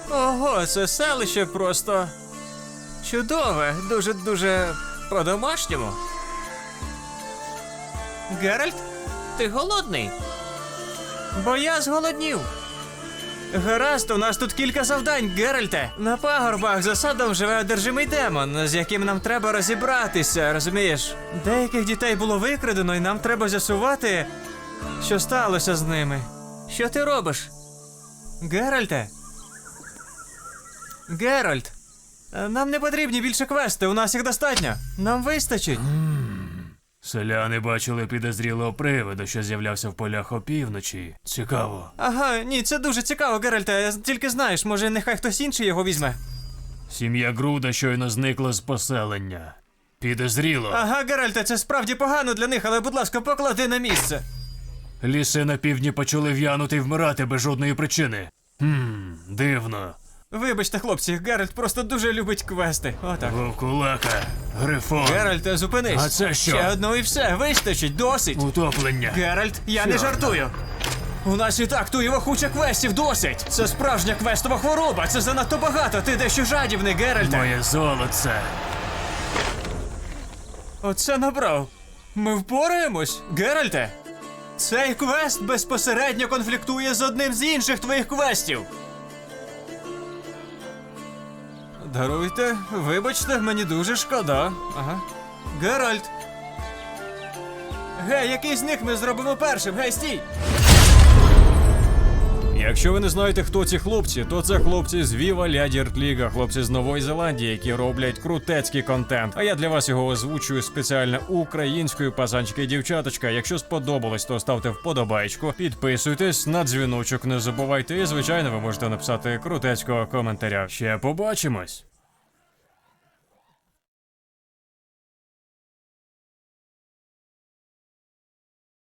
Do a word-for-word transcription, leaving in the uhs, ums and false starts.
Ого, це селище просто чудове, дуже-дуже по-домашньому. Геральт, ти голодний? Бо я зголоднів. Гаразд, у нас тут кілька завдань, Геральте. На пагорбах за садом живе одержимий демон, з яким нам треба розібратися, розумієш? Деяких дітей було викрадено, і нам треба з'ясувати, що сталося з ними. Що ти робиш? Геральте? Геральт, нам не потрібні більше квести, у нас їх достатньо. Нам вистачить. Селяни бачили підозрілого привида, що з'являвся в полях опівночі. Цікаво. Ага, ні, це дуже цікаво, Геральте. Тільки знаєш, може нехай хтось інший його візьме. Сім'я Груда щойно зникла з поселення. Підозріло. Ага, Геральте, це справді погано для них, але, будь ласка, поклади на місце. Ліси на півдні почали в'янути і вмирати без жодної причини. Хм, дивно. Вибачте, хлопці, Геральт просто дуже любить квести. Отак. Вовкулака, Грифон, Геральте, зупинись. А це що? Ще одну і все, вистачить, досить. утоплення. Геральт, я не Що? жартую. У нас і так туєва куча квестів, досить. Це справжня квестова хвороба, це занадто багато, ти дещо жадібний, Геральте. Моє золоце. Оце набрав. Ми впораємось, Геральте. Цей квест безпосередньо конфліктує з одним з інших твоїх квестів. Даруйте, вибачте, мені дуже шкода. Ага. Геральт. Гей, який з них ми зробимо першим? Гей, стій! Якщо ви не знаєте, хто ці хлопці, то це хлопці з Viva La Dirt League, хлопці з Нової Зеландії, які роблять крутецький контент. А я для вас його озвучую спеціально українською, пацанчики і дівчаточка. Якщо сподобалось, то ставте вподобайку, підписуйтесь, на дзвіночок не забувайте і, звичайно, ви можете написати крутецького коментаря. Ще побачимось!